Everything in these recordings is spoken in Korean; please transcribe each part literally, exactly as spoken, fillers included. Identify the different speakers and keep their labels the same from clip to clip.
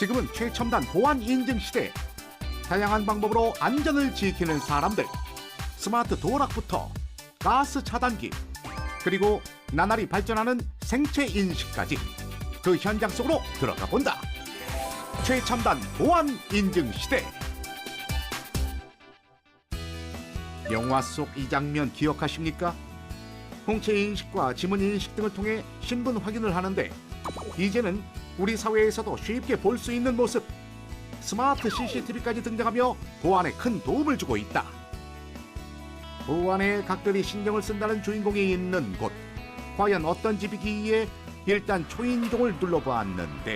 Speaker 1: 지금은 최첨단 보안 인증 시대. 다양한 방법으로 안전을 지키는 사람들. 스마트 도어락부터 가스 차단기, 그리고 나날이 발전하는 생체 인식까지 그 현장 속으로 들어가 본다. 최첨단 보안 인증 시대. 영화 속 이 장면 기억하십니까? 홍채 인식과 지문 인식 등을 통해 신분 확인을 하는데 이제는 우리 사회에서도 쉽게 볼 수 있는 모습. 스마트 씨씨티비까지 등장하며 보안에 큰 도움을 주고 있다. 보안에 각별히 신경을 쓴다는 주인공이 있는 곳. 과연 어떤 집이기에 일단 초인종을 눌러보았는데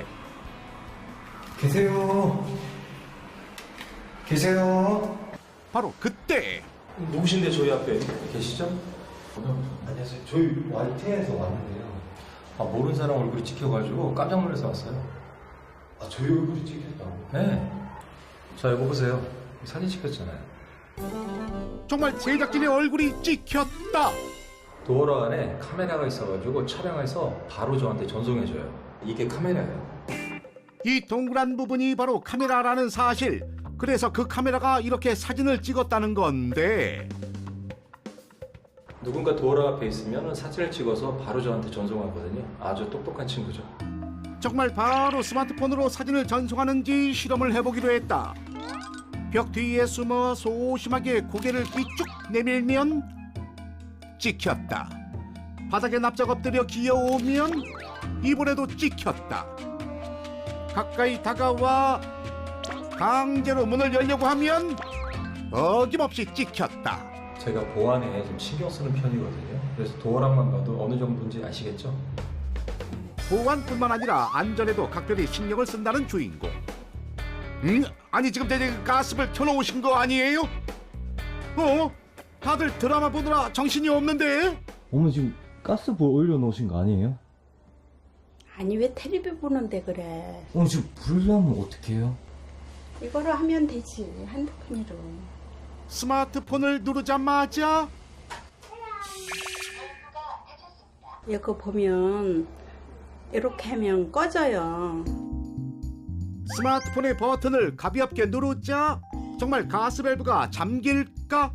Speaker 2: 계세요. 계세요.
Speaker 1: 바로 그때
Speaker 3: 누구신데 저희 앞에 계시죠?
Speaker 2: 안녕하세요. 저희 와이티에서 왔는데요.
Speaker 3: 아, 모르는 사람 얼굴이 찍혀가지고 깜짝 놀라서 왔어요.
Speaker 2: 아, 저희 얼굴이 찍혔다고?
Speaker 3: 네. 자, 이거 보세요. 사진 찍혔잖아요.
Speaker 1: 정말 제작진의 얼굴이 찍혔다.
Speaker 3: 도어락 안에 카메라가 있어가지고 촬영해서 바로 저한테 전송해줘요. 이게 카메라예요.
Speaker 1: 이 동그란 부분이 바로 카메라라는 사실. 그래서 그 카메라가 이렇게 사진을 찍었다는 건데
Speaker 3: 누군가 도어락 앞에 있으면 사진을 찍어서 바로 저한테 전송하거든요. 아주 똑똑한 친구죠.
Speaker 1: 정말 바로 스마트폰으로 사진을 전송하는지 실험을 해보기로 했다. 벽 뒤에 숨어 소심하게 고개를 삐쭉 내밀면 찍혔다. 바닥에 납작 엎드려 기어오면 이번에도 찍혔다. 가까이 다가와 강제로 문을 열려고 하면 어김없이 찍혔다.
Speaker 3: 제가 보안에 좀 신경 쓰는 편이거든요. 그래서 도어락만 봐도 어느 정도인지 아시겠죠?
Speaker 1: 보안뿐만 아니라 안전에도 각별히 신경을 쓴다는 주인공. 음? 아니 지금 대체 가스불 켜놓으신 거 아니에요? 어? 다들 드라마 보느라 정신이 없는데?
Speaker 4: 어머 지금 가스불 올려놓으신 거 아니에요?
Speaker 5: 아니 왜 텔레비 보는데 그래.
Speaker 4: 어머 지금 불 나면 어떡해요?
Speaker 5: 이거로 하면 되지 핸드폰으로.
Speaker 1: 스마트폰을 누르자마자
Speaker 5: 이거 보면 이렇게 하면 꺼져요.
Speaker 1: 스마트폰의 버튼을 가볍게 누르자 정말 가스밸브가 잠길까?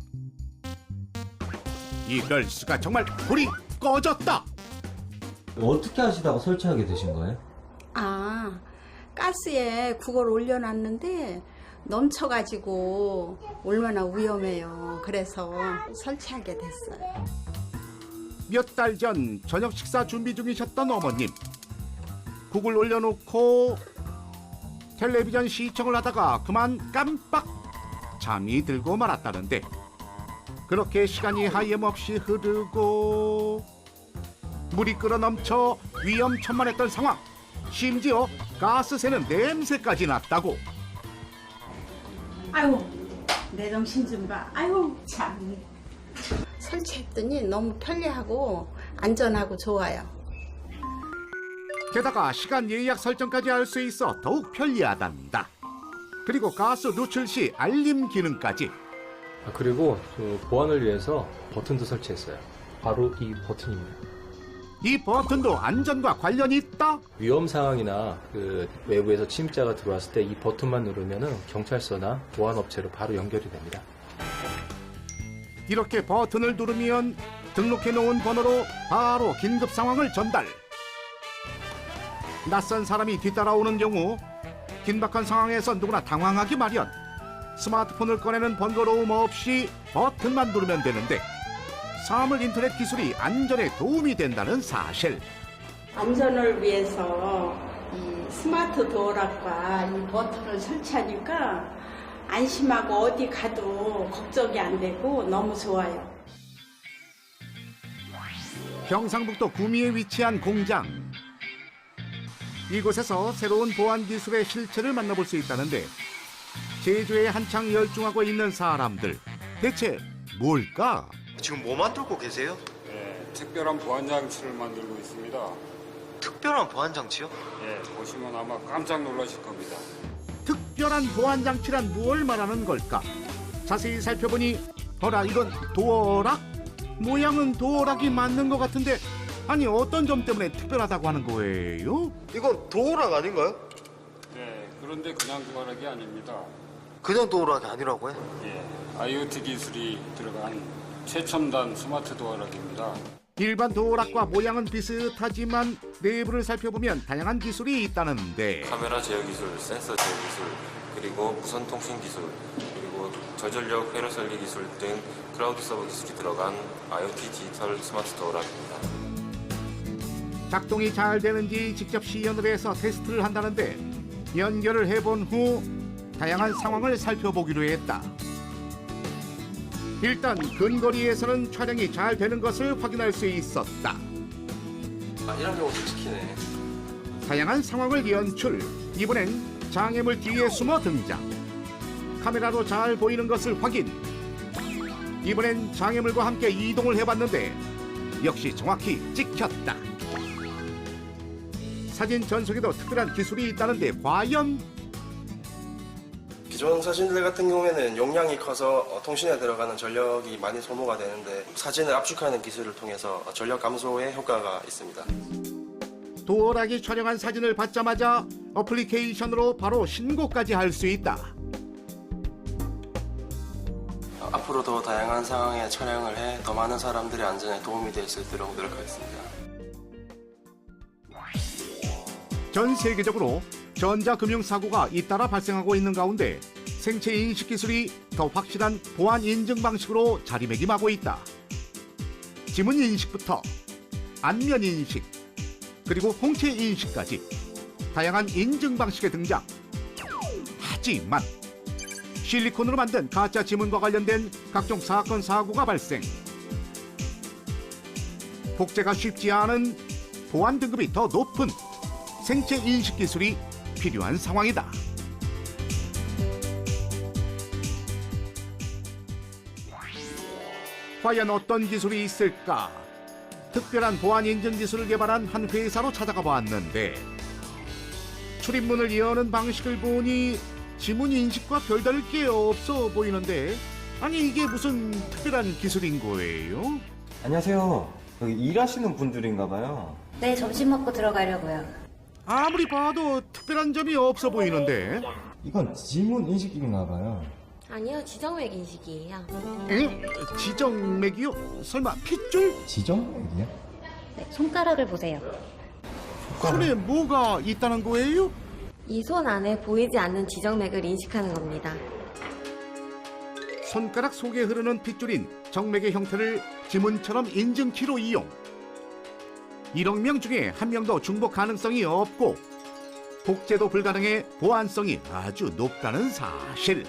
Speaker 1: 이럴 수가. 정말 불이 꺼졌다.
Speaker 4: 어떻게 하시다가 설치하게 되신 거예요?
Speaker 5: 아 가스에 그걸 올려놨는데 넘쳐가지고 얼마나 위험해요. 그래서 설치하게 됐어요.
Speaker 1: 몇 달 전 저녁 식사 준비 중이셨던 어머님. 국을 올려놓고 텔레비전 시청을 하다가 그만 깜빡 잠이 들고 말았다는데 그렇게 시간이 하염없이 흐르고 물이 끓어넘쳐 위험천만했던 상황. 심지어 가스 새는 냄새까지 났다고.
Speaker 5: 아유 내 정신 좀 봐. 아유 참. 설치했더니 너무 편리하고 안전하고 좋아요.
Speaker 1: 게다가 시간 예약 설정까지 할 수 있어 더욱 편리하단다. 그리고 가스 누출 시 알림 기능까지.
Speaker 3: 아, 그리고 그 보안을 위해서 버튼도 설치했어요. 바로 이 버튼입니다.
Speaker 1: 이 버튼도 안전과 관련이 있다?
Speaker 3: 위험 상황이나 그 외부에서 침입자가 들어왔을 때 이 버튼만 누르면은 경찰서나 보안 업체로 바로 연결이 됩니다.
Speaker 1: 이렇게 버튼을 누르면 등록해 놓은 번호로 바로 긴급 상황을 전달. 낯선 사람이 뒤따라오는 경우 긴박한 상황에서 누구나 당황하기 마련. 스마트폰을 꺼내는 번거로움 없이 버튼만 누르면 되는데 사물 인터넷 기술이 안전에 도움이 된다는 사실.
Speaker 5: 안전을 위해서 이 스마트 도어락과 이 버튼을 설치하니까 안심하고 어디 가도 걱정이 안 되고 너무 좋아요.
Speaker 1: 경상북도 구미에 위치한 공장. 이곳에서 새로운 보안 기술의 실체를 만나볼 수 있다는데 제조에 한창 열중하고 있는 사람들. 대체 뭘까?
Speaker 6: 지금 뭐 만들고 계세요?
Speaker 7: 네, 특별한 보안 장치를 만들고 있습니다.
Speaker 6: 특별한 보안 장치요?
Speaker 7: 예, 보시면 아마 깜짝 놀라실 겁니다.
Speaker 1: 특별한 보안 장치란 무엇을 말하는 걸까? 자세히 살펴보니 어라 이건 도어락? 모양은 도어락이 맞는 것 같은데 아니 어떤 점 때문에 특별하다고 하는 거예요?
Speaker 6: 이건 도어락 아닌가요?
Speaker 7: 네, 그런데 그냥 도어락이 아닙니다.
Speaker 6: 그냥 도어락이 아니라고요?
Speaker 7: 예, 아이오티 기술이 들어간 최첨단 스마트 도어락입니다.
Speaker 1: 일반 도어락과 모양은 비슷하지만 내부를 살펴보면 다양한 기술이 있다는데
Speaker 8: 카메라 제어 기술, 센서 제어 기술, 그리고 무선 통신 기술, 그리고 저전력 회로 설리 기술 등 클라우드 서버 기술이 들어간 아이오티 디지털 스마트 도어락입니다.
Speaker 1: 작동이 잘 되는지 직접 시연을 해서 테스트를 한다는데 연결을 해본 후 다양한 상황을 살펴보기로 했다. 일단 근거리에서는 촬영이 잘 되는 것을 확인할 수 있었다.
Speaker 8: 아, 이런 경우도 찍히네.
Speaker 1: 다양한 상황을 연출. 이번엔 장애물 뒤에 숨어 등장. 카메라로 잘 보이는 것을 확인. 이번엔 장애물과 함께 이동을 해봤는데 역시 정확히 찍혔다. 사진 전송에도 특별한 기술이 있다는데 과연?
Speaker 9: 기존 사진들 같은 경우에는 용량이 커서 통신에 들어가는 전력이 많이 소모가 되는데 사진을 압축하는 기술을 통해서 전력 감소에 효과가 있습니다.
Speaker 1: 도어락이 촬영한 사진을 받자마자 어플리케이션으로 바로 신고까지 할 수 있다.
Speaker 9: 앞으로 더 다양한 상황에 촬영을 해 더 많은 사람들의 안전에 도움이 될 수 있도록 노력하겠습니다.
Speaker 1: 전 세계적으로 전자금융사고가 잇따라 발생하고 있는 가운데 생체인식 기술이 더 확실한 보안 인증 방식으로 자리매김하고 있다. 지문인식부터 안면인식, 그리고 홍채인식까지 다양한 인증 방식의 등장. 하지만 실리콘으로 만든 가짜 지문과 관련된 각종 사건 사고가 발생. 복제가 쉽지 않은 보안 등급이 더 높은 생체 인식 기술이 필요한 상황이다. 과연 어떤 기술이 있을까? 특별한 보안 인증 기술을 개발한 한 회사로 찾아가 봤는데 출입문을 여는 방식을 보니 지문 인식과 별다를 게 없어 보이는데, 아니 이게 무슨 특별한 기술인 거예요?
Speaker 4: 안녕하세요. 여기 일하시는 분들인가 봐요.
Speaker 10: 네, 점심 먹고 들어가려고요.
Speaker 1: 아무리 봐도 특별한 점이 없어 보이는데.
Speaker 4: 이건 지문 인식인가 봐요.
Speaker 10: 아니요, 지정맥 인식이에요.
Speaker 1: 에? 지정맥이요? 설마 핏줄?
Speaker 4: 지정맥이요?
Speaker 10: 네, 손가락을 보세요.
Speaker 1: 손에 뭐가 있다는 거예요?
Speaker 10: 이 손 안에 보이지 않는 지정맥을 인식하는 겁니다.
Speaker 1: 손가락 속에 흐르는 핏줄인 정맥의 형태를 지문처럼 인증키로 이용. 일억 명 중에 한 명도 중복 가능성이 없고 복제도 불가능해 보안성이 아주 높다는 사실.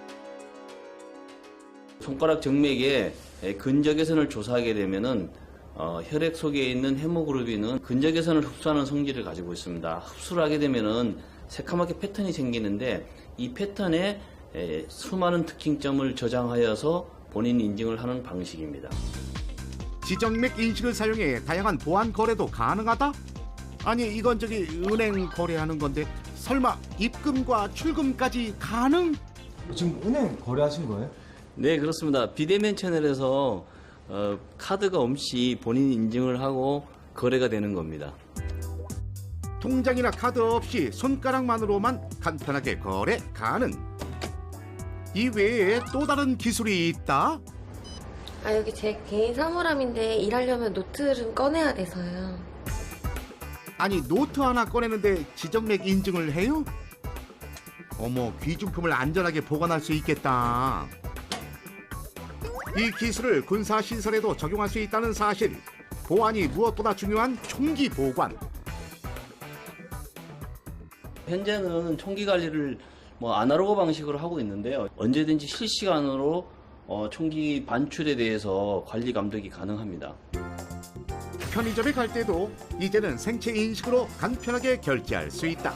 Speaker 11: 손가락 정맥의 근적외선을 조사하게 되면은 어, 혈액 속에 있는 헤모글로빈은 근적외선을 흡수하는 성질을 가지고 있습니다. 흡수를 하게 되면은 새카맣게 패턴이 생기는데 이 패턴에 에, 수많은 특징점을 저장하여서 본인 인증을 하는 방식입니다.
Speaker 1: 지정맥 인식을 사용해 다양한 보안 거래도 가능하다? 아니 이건 저기 은행 거래하는 건데 설마 입금과 출금까지 가능?
Speaker 4: 지금 은행 거래하신 거예요?
Speaker 11: 네, 그렇습니다. 비대면 채널에서 어, 카드가 없이 본인 인증을 하고 거래가 되는 겁니다.
Speaker 1: 통장이나 카드 없이 손가락만으로만 간편하게 거래 가능. 이 외에 또 다른 기술이 있다?
Speaker 10: 아, 여기 제 개인 사물함인데 일하려면 노트를 꺼내야 돼서요.
Speaker 1: 아니 노트 하나 꺼내는데 지정맥 인증을 해요? 어머, 귀중품을 안전하게 보관할 수 있겠다. 이 기술을 군사시설에도 적용할 수 있다는 사실. 보안이 무엇보다 중요한 총기 보관.
Speaker 11: 현재는 총기 관리를 뭐 아날로그 방식으로 하고 있는데요. 언제든지 실시간으로 어, 총기 반출에 대해서 관리 감독이 가능합니다.
Speaker 1: 편의점에 갈 때도 이제는 생체 인식으로 간편하게 결제할 수 있다.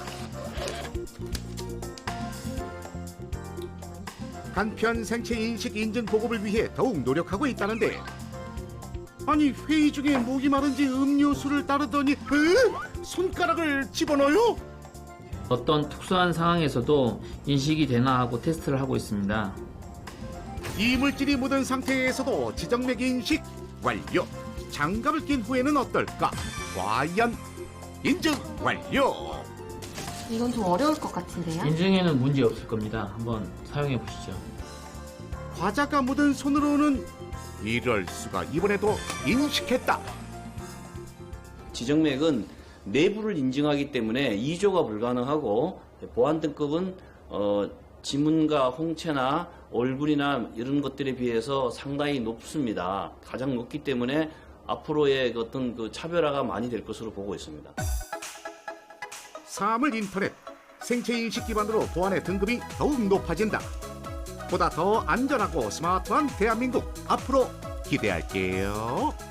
Speaker 1: 간편 생체 인식 인증 보급을 위해 더욱 노력하고 있다는데, 아니 회의 중에 목이 마른지 음료수를 따르더니 으? 손가락을 집어넣어요?
Speaker 12: 어떤 특수한 상황에서도 인식이 되나 하고 테스트를 하고 있습니다.
Speaker 1: 이물질이 묻은 상태에서도 지정맥 인식 완료. 장갑을 낀 후에는 어떨까? 과연 인증 완료.
Speaker 10: 이건 좀 어려울 것 같은데요?
Speaker 12: 인증에는 문제 없을 겁니다. 한번 사용해 보시죠.
Speaker 1: 과자가 묻은 손으로는 이럴 수가, 이번에도 인식했다.
Speaker 11: 지정맥은 내부를 인증하기 때문에 이조가 불가능하고 보안 등급은 어, 지문과 홍채나 얼굴이나 이런 것들에 비해서 상당히 높습니다. 가장 높기 때문에 앞으로의 어떤 그 차별화가 많이 될 것으로 보고 있습니다.
Speaker 1: 사물 인터넷, 생체 인식 기반으로 보안의 등급이 더욱 높아진다. 보다 더 안전하고 스마트한 대한민국 앞으로 기대할게요.